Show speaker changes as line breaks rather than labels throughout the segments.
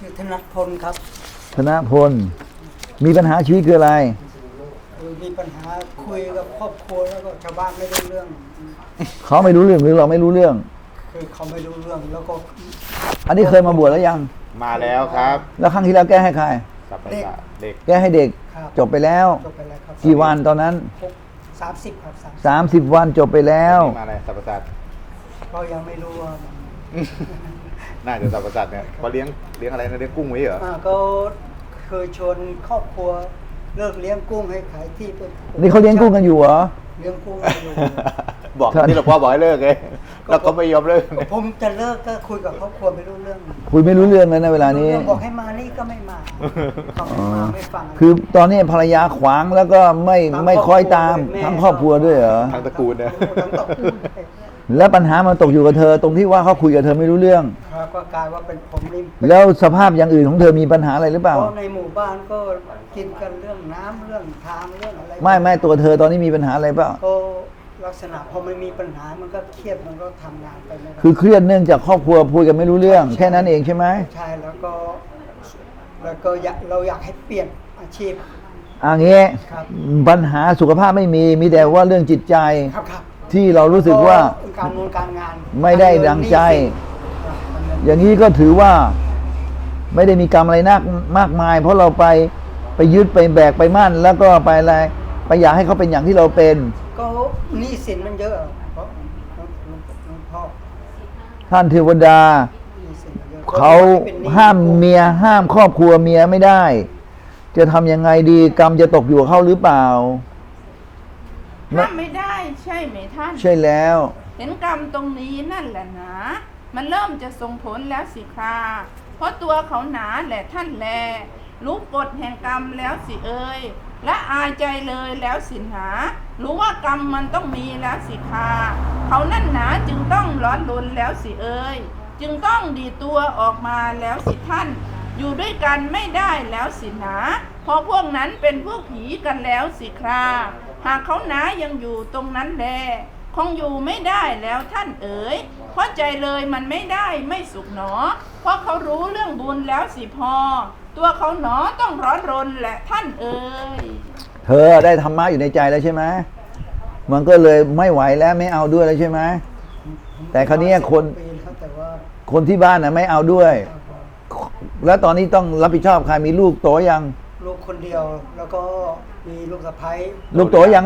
ชื่อธนพลครับ
ธนพลมีปัญหาชีวิตคืออะไร
มีปัญหาคุยกับครอบครัวแล้วก็ชาวบ้านไม่รู้เรื่อง
เขาไม่รู้เรื่องหรือเราไม่รู้เรื่อง
คือเขาไม่รู้เรื่องแล้วก็
อันนี้เคยมาบวชแล้วยัง
มาแล้วครับ
แล้วครั้งที่แล้วแก้ให้ใคร
เด็ก
แก้ให้เด็กจบไปแล้ว
ครับ
กี่วันตอนนั้น
30ครับ
30 วันจบไปแล้ว
มาอะไรสัพพสัตว์
ก็ยังไม่รู้ว่า
น่าจะสัพพสัตว์เนี่ยเขาเลี้ยงอะไรนะเลี้ยงกุ้งไว้เหรอ
ก็เคยชวนครอบครัวเลิกเลี้ยงกุ้งให้ขายที่เป็น
นี่เขาเลี้ยงกุ้งกันอยู่เหรอ
เลี้ยงกุ้งอยู่
บอกที่หลวงพ่อบอกให้เลิกไงแล้วก็ไม่ยอมเลิก
ผมจะเลิกก็คุยกับครอบครัวไม่รู้เรื่อง
คุยไม่รู้เรื่องเลยนะเวลานี้
บอกให้มานี่ก็ไม่มาเขาไม่ฟัง
คือตอนนี้ภรรยาขวางแล้วก็ไม่คอยตามทั้งครอบครัวด้วยเหรอ
ทั้งตระกูลเนี่ย
แล้วปัญหามันตกอยู่กับเธอตรงที่ว่าเขาคุยกับเธอไม่รู้เรื่อง
ครับก็กลายว่าเป็นผมริม
แล้วสภาพอย่างอื่นของเธอมีปัญหาอะไรหรือเปล่า
ในหมู่บ้านก็กินกันเรื่องน้ำเรื่องทางเรื่องอะไร
ไม่ตัวเธอตอนนี้มีปัญหาอะไรเปล่า
ก็ลักษณะพอมันมีปัญหามันก็เครียดมันก็ทำงานไปไม่ได้
คือเครียดเนื่องจากครอบครัวพูดกันไม่รู้เรื่องแค่นั้นเองใช่ไหม
ใช่แล้วก็เราอยากให้เปลี่ยนอาชีพ
งี้ปัญหาสุขภาพไม่มีแต่ว่าเรื่องจิตใจที่เรารู้สึกว่า
การงาน
ไม่ได้ดังใจอย่างนี้ก็ถือว่าไม่ได้มีกรรมอะไรมากมายเพราะเราไปยึดไปแบกไปมั่นแล้วก็ไปอะไรไปอยากให้เขาเป็นอย่างที่เราเป็น
ก็หนี้สินมันเยอะเพราะพ่อ
ท่านเทวดาเขาห้ามเมียห้ามครอบครัวเมียไม่ได้จะทำยังไงดีกรรมจะตกอยู่กับเขาหรือเปล่า
ห้ามไม่ได้ใช่ไหมท่าน
ใช่แล้ว
เห็นกรรมตรงนี้นั่นแหละนะมันเริ่มจะส่งผลแล้วสิคราเพราะตัวเขาหนาแหละท่านแลรู้กฎแห่งกรรมแล้วสิเอ่ยและอายใจเลยแล้วสิหารู้ว่ากรรมมันต้องมีแล้วสิคราเขานั่นหนาจึงต้องร้อนรนแล้วสิเอ่ยจึงต้องดีตัวออกมาแล้วสิท่านอยู่ด้วยกันไม่ได้แล้วสินะเพราะพวกนั้นเป็นพวกผีกันแล้วสิคราหากเขาหนายังอยู่ตรงนั้นแลคงอยู่ไม่ได้แล้วท่านเอ๋ยเพราะใจเลยมันไม่ได้ไม่สุขหนอเพราะเขารู้เรื่องบุญแล้วสิพอตัวเขาหนอต้องร้อนรนแหละท่านเอ๋ย
เธอได้ธรรมะอยู่ในใจแล้วใช่ไหมมันก็เลยไม่ไหวแล้วไม่เอาด้วยแล้วใช่ไหมแต่คราวนี้คนที่บ้านน่ะไม่เอาด้วยแล้วตอนนี้ต้องรับผิดชอบใครมีลูกโตยัง
ลูกคนเดียวแล้วก็มีลูกสะใภ้
ลูกโตยัง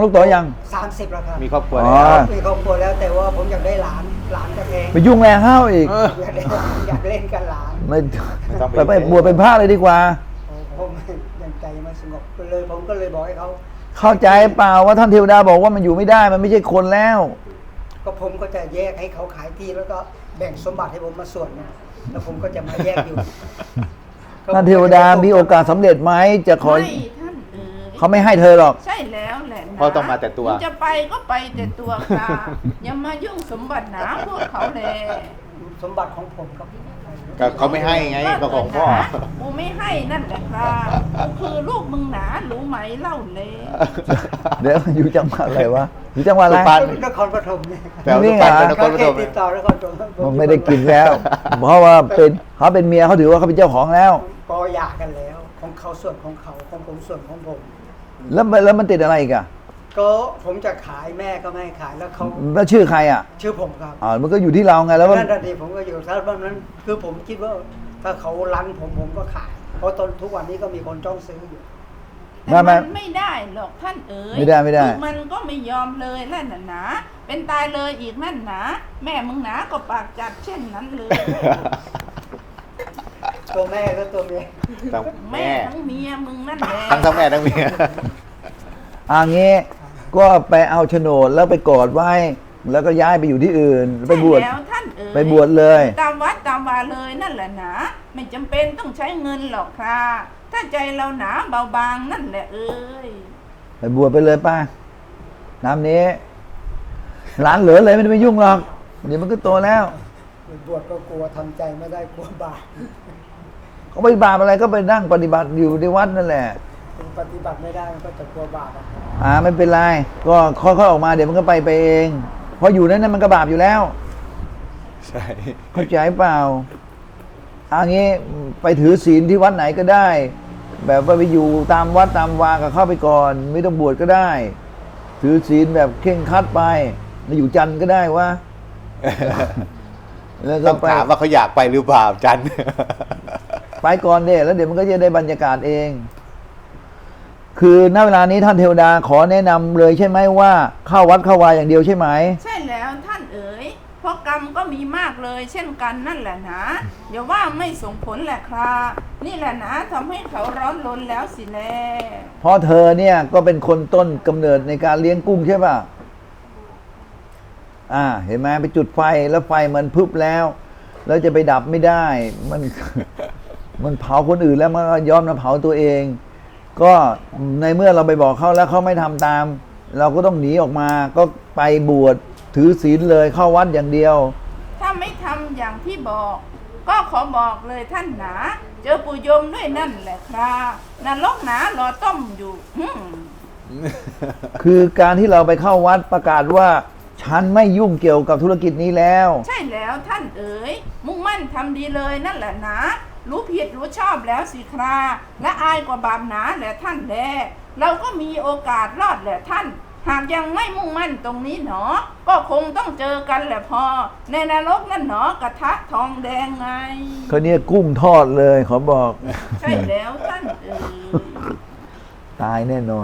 30แล้วครับ
มีครอบครัวแล้ว
มีครอบครัวแล้วแต่ว่าผมอยากได้หลานกันเอง
ไปยุ่งแรงห้าวอีก
อยากเล่นกันหลาน
ไม่ไปบวชเป็นพระเลยดีกว่า
ผมยังใจไม่สงบเลยผมก็เลยบอกให้เขา
เข้าใจเปล่าว่าท่านเทวดาบอกว่ามันอยู่ไม่ได้มันไม่ใช่คนแล้ว
ก็ผมก็จะแยกให้เขาขายที่แล้วก็แบ่งสมบัติให้ผมมาส่วนแล้วผมก็จะมาแยกอยู่
ท่านเทวดามีโอกาสสำเร็จไหมจะขอเขาไม่ให้เธอหรอก
ใช่แล้วแหละ
เพราะต้องมาแต่ตัว
จะไปก็ไปแต่ตัวค่ะอย่ามายุ่งสมบัติหนาพวกเขาเลย
สมบัติของผมครับ
เขาไม่ให้ไงก็ของพ่อ
กูไม่ให้นั่นแหละค่ะกูคือลูกมึงหนารู้ไหมเล่าเลย
เดี๋ยวอยู่จังหวัดอะไรวะอยู่จังหวัดอะไร
นครปฐมเนี่ย
นี่ไง
ติดต่อนครปฐม
มันไม่ได้กินแล้วเพราะว่าเขาเป็นเมียเขาถือว่าเขาเป็นเจ้าของแล้ว
ก็หย่ากันแล้วของเขาส่วนของเขาของผมส่วนของผม
แล้วมันติดอะไรอีกอะ
ก็ผมจะขายแม่ก็ไม่ขายแล้วเขา
แล้วชื่อใครอ่ะ
ชื่อผมครับ
มันก็อยู่ที่เราไงแล้ว
นั่นทีผมก็อยู่ถ้าบ้านนั้นคือผมคิดว่าถ้าเขารันผมก็ขายเพราะตอนทุกวันนี้ก็มีคนจ้องซื้ออยู่
แต่มันไม่ได้หรอกท่านเอ๋ย
ไม่ได้
มันก็ไม่ยอมเลยนั่นน่ะนะเป็นตายเลยอีกนั่นนะแม่มึงหนาก็ปากจัดเช่นนั้นเลย
ตัวแม่ก็ตัวเมีย
แม่ทั้งเมียมึงนั่นแหละ
ทั้งแม่ทั้งเมีย
งี้ก็ไปเอาโฉนดแล้วไปกอดไว้แล้วก็ย้ายไปอยู่ที่อื่นไปบวช
แล้วท่านเอ๋ย
ไปบวชเลย
ตามวัดตามวาเลยนั่นแหละนะไม่จำเป็นต้องใช้เงินหรอกค่ะถ้าใจเราหนาเบาบางนั่นแหละเอ้ย
ไปบวชไปเลยป้าน้ำนี้หลานเหลือเลยไม่ได้ไปยุ่งหรอกเดี๋ยวมันก็โตแล้ว
บวชก็กลัวทำใจไม่ได้กลัวบาป
เขาไม่บาปอะไรก็ไปนั่งปฏิบัติอยู่ในวัดนั่นแหละ
ปฏิบัติไม่ได้มันก็จะกลัวบาป
ไม่เป็นไรก็ค่อยๆออกมาเดี๋ยวมันก็ไปเองเพราะอยู่นั้นมันก็บาปอยู่แล้ว
ใช่
เข้าใจเปล่าอันนี้ไปถือศีลที่วัดไหนก็ได้ แบบว่าไปอยู่ตามวัดตามวาก็เข้าไปก่อน ไม่ต้องบวชก็ได้ ถือศีลแบบเคร่งครัดไปมาอยู่จันทร์ก็ได้วะ แล้วก็
ต้อง
ไป
ถามว่าเขาอยากไปหรือเปล่าจัน
ไปก่อนเด้แล้วเดี๋ยวมันก็จะได้บรรยากาศเอง คือณเวลานี้ท่านเทวดาขอแนะนำเลยใช่ไหมว่าเข้าวัดเข้าวาอย่างเดียวใช่ไหม
ใช่แล้วท่านเอ๋ยเพราะกรรมก็มีมากเลย เช่นกันนั่นแหละนะอย่าว่าไม่ส่งผลแหละครับนี่แหละนะทำให้เขาร้อนรนแล้วสิแล
เพราะเธอเนี่ยก็เป็นคนต้นกำเนิดในการเลี้ยงกุ้งใช่ป่ะ เห็นไหมไปจุดไฟแล้วไฟมันพึบแล้วจะไปดับไม่ได้ มัน มันเผาคนอื่นแล้วมันก็ย้อมมาเผาตัวเอง ก็ในเมื่อเราไปบอกเขาแล้วเขาไม่ทำตาม เราก็ต้องหนีออกมาก็ไปบวชถือศีลเลยเข้าวัดอย่างเดียว
ถ้าไม่ทำอย่างที่บอก ก็ขอบอกเลยท่านหนาเจอปู่ยมด้วยนั่นแหละครับนรกหนารอต้มอยู่
คือการที่เราไปเข้าวัดประกาศว่าฉันไม่ยุ่งเกี่ยวกับธุรกิจนี้แล้ว
ใช่แล้วท่านเอ๋ยมุ่งมั่นทำดีเลยนั่นแหละนะรู้ผิดรู้ชอบแล้วสิคราและอายกว่าบาปหนาแหละท่านแลเราก็มีโอกาสรอดแหละท่าน หากยังไม่มุ่งมั่นตรงนี้หนอ ก็คงต้องเจอกันแหละพอ ในนรกนั่นหนอกระทะทองแดงไง
เขาเนี่ยกุ้งทอดเลยขอบอก
ใช่แล้วท่านเอ๋ย
ตายแน่นอน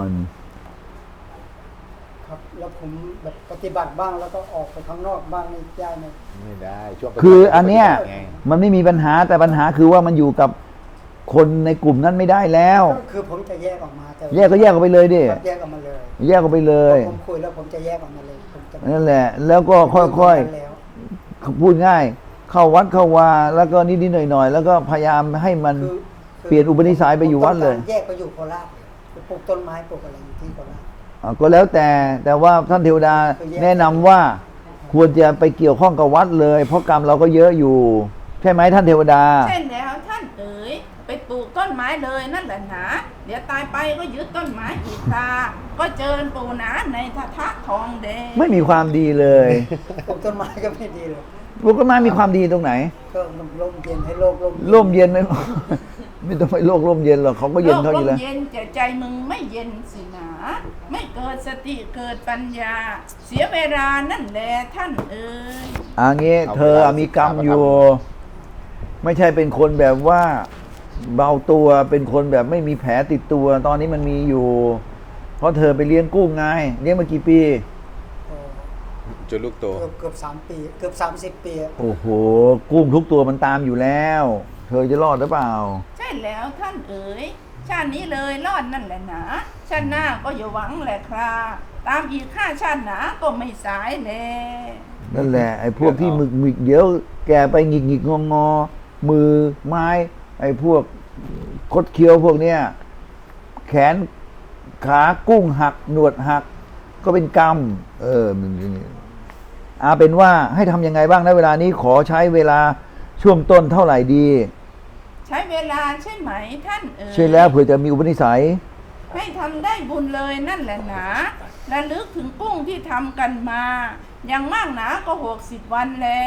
ครับ แล้วผมแบบปฏิบัติบ้างแล้วก็ออกไปข้างนอกบ้างนี่ได้ไหม
ไม่ได้ช่วง
คืออันเนี้ย
ไง
มันไม่มีปัญหาแต่ปัญหาคือว่ามันอยู่กับคนในกลุ่มนั้นไม่ได้แล้ว
ก็คือผมจะแยกออกมาแต่
แยกก็แยกออกไปเลยดิ
ครับแยกออกมาเลย
แยกออกไปเลย
ผมคุยแล้วผมจะแยกออกมาเลยผมจะ
นั่นแหละ แล้วก็ค่อย
แล้ว
ๆพูดง่าย เข้าวัดเข้าวาแล้วก็นิดๆหน่อยๆแล้วก็พยายามให้มัน
คือ
เปลี่ยนอุปนิสัยไปอยู่วัดเลย
ผมต้องการแยกไปอยู่โคราชไปปลูกต้นไม้ปลูกอะไรอยู่ที่โคราช
ก็แล้วแต่ว่าท่านเทวดาแนะนำว่าควรจะไปเกี่ยวข้องกับวัดเลย เพราะกรรมเราก็เยอะอยู่ ใช่ไหมท่านเทวดา
ใช่แล้วท่านเอ๋ยไปปลูกต้นไม้เลยนั่นแหละนะเดี๋ยวตายไปก็ยึดต้นไม้อีกตาก็เจอปู่หนาในทะทะทองแดง
ไม่มีความดีเลย
ปลูกต้นไม้ก็ไม่ดีเลย
ปลูกต้นไม้มีความดีตรงไหน
ก็ร่มเย็นให้โลก
ร่มเย็นไหม ไม่ต้องไปโลกร่มเย็นหรอกเขาก็เย็นเขาอยู่แล้ว
โลกร่มเย็นแต่ใจมึงไม่เย็นสินะไม่เกิดสติเกิดปัญญา เสียเวลานั่นแหละท่านเอ๋ย
งี้เธอมีกรรมอยู่ ไม่ใช่เป็นคนแบบว่าเบาตัวเป็นคนแบบไม่มีแผลติดตัว ตอนนี้มันมีอยู่ เพราะเธอไปเลี้ยงกุ้งไงเลี้ยงมากี่ปี
จนลูกโต
เกือบ3 ปีเกือบ30 ปีอะ
โอ้โหกุ้งทุกตัวมันตามอยู่แล้ว เธอจะรอดหรือเปล่า
ใช่แล้วท่านเอ๋ยชาตินี้เลยรอดนั่นแหละนะชาติหน้าก็อย่าหวังแหละครับตามอีกข้าชาติหนาก็ไม่สายแล
นั่นแหละไอ้พวกที่หมึกเดี๋ยวแกไปหงิกงอมือไม้ไอ้พวกคดเคี้ยวพวกเนี้ยแขนขากุ้งหักหนวดหัก ก็เป็นกรรมมันเป็นว่าให้ทำยังไงบ้างนะเวลานี้ขอใช้เวลาช่วงต้นเท่าไหร่ดี
ใช้เวลาใช่ไหมท่านเอ๋ย
ใช่แล้วเผื่อจะมีอุปนิสัย
ให้ทำได้บุญเลยนั่นแหละนะระลึกถึงกุ้งที่ทำกันมา อย่างมากหนาก็60 วันแล้ว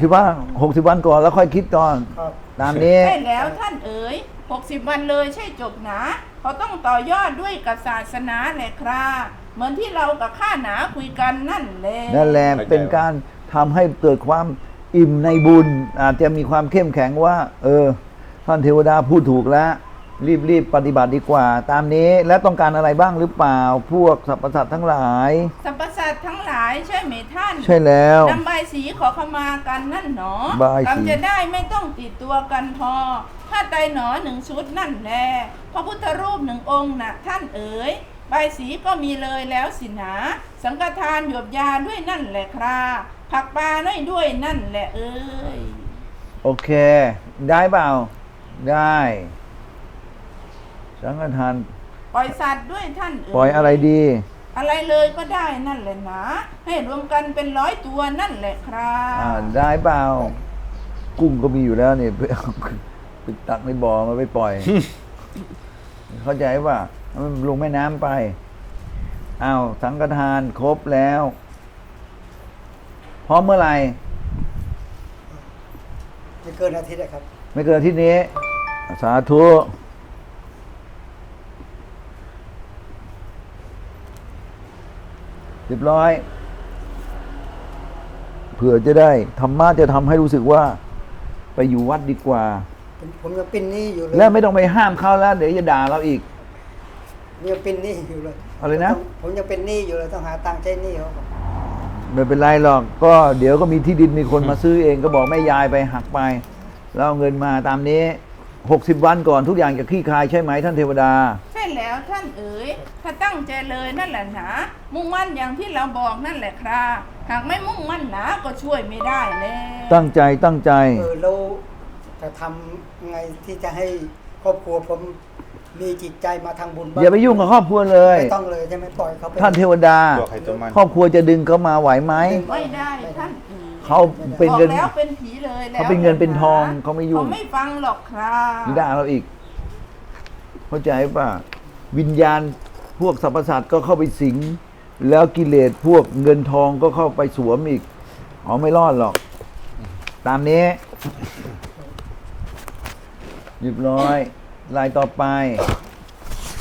60 วันก่อนแล้วค่อยคิดก่อน
ครับ
ตามนี้
ใช่แล้วท่านเอ๋ย60 วันเลยใช่จบหนาเขาต้องต่อยอดด้วยกับศาสนาแหละครับเหมือนที่เรากับข้าหนาคุยกันนั่นแหละ
นั่นแหละเป็นการทำให้เกิดความอิ่มในบุญ อาจจะมีความเข้มแข็งว่า ท่านเทวดาพูดถูกแล้ว รีบปฏิบัติดีกว่า ตามนี้และต้องการอะไรบ้างหรือเปล่า พวกสรรพสัตว์ทั้งหลาย
สรรพสัตว์ทั้งหลายใช่ไหมท่าน
ใช่แล้ว
นำใบายสีขอขมากันนั่นหนอ
ใบายสี
กรรมจะได้ไม่ต้องติดตัวกันพอผ้าไตรหนอ1 ชุดนั่นแหละพระพุทธรูป1 องค์น่ะท่านเอ๋ยใบายสีก็มีเลยแล้วสินะสังฆทานหยวบยาด้วยนั่นแหละครับผักปลาด้วยนั่นแหละเอ้ย
โอเค ได้เปล่า ได้สังฆทาน
ปล่อยสัตว์ด้วยท่านเอ๋ย
ปล่อยอะไรดี
อะไรเลยก็ได้นั่นแหละนะให้รวมกันเป็น100 ตัวนั่นแหละครับ
ได้เปล่า กุ้งก็มีอยู่แล้วเนี่ยไปตักในบ่อมาไปปล่อย เข้าใจป่ะมันลงแม่น้ำไปสังฆทานครบแล้วพร้อมเมื่อไหร่
ไม่เกินอาทิตย์อะครับ
ไม่เกินอาที่นี้ สาธุเรียบร้อย เผื่อจะได้ธรรมะจะทำให้รู้สึกว่า ไปอยู่วัดดีกว่า
ผมยังเป็นหนี้อยู่เลย
แล้วไม่ต้องไปห้ามเขาแล้ว เดี๋ยวจะด่าเราอีก
ยังเป็นหนี้อยู่เลย
อะไรนะ
ผมยังเป็นหนี้อยู่เลยต้องหาตังค์ใช้หนี้เขาก่อน
ไม่เป็นไรหรอก ก็เดี๋ยวก็มีที่ดินมีคนมาซื้อเองก็บอกแม่ยายไปหักไป แล้วเอาเงินมาตามนี้ 60 วันก่อนทุกอย่างจะคลี่คลายใช่ไหมท่านเทวดา
ใช่แล้วท่านเอ๋ยถ้าตั้งใจเลยนั่นแหละหนามุ่งมั่นอย่างที่เราบอกนั่นแหละครับหากไม่มุ่งมั่นหนาก็ช่วยไม่ได้เลย
ตั้งใจ
แล้วจะทำไงที่จะให้ครอบครัวผมมีจิตใจมาทางบุญบ้าง
อย่าไปยุ่งกับครอบครัวเลย
ไม่ต้องเลยใช่ไหมปล่อยเขาไป
ท่านเทวดา
ตัวใครตัวมัน
ครอบครัวจะดึงเขามาไหวไหม
ไม่ได้ท่านเอ๋ย
เขาเป็น
บอก
เงิน
แล้วเป็นผีเลยแล้ว
เขาเป็นเงินเป็นทองเขาไม่ยุ่ง
เขาไม่ฟังหรอกครับ
ด่าเราอีก เข้าใจป่ะ วิญญาณพวกสรรพสัตว์ก็เข้าไปสิง แล้วกิเลสพวกเงินทองก็เข้าไปสวมอีกอ๋อไม่รอดหรอก ตามนี้เรียบร้อย ลายต่อไป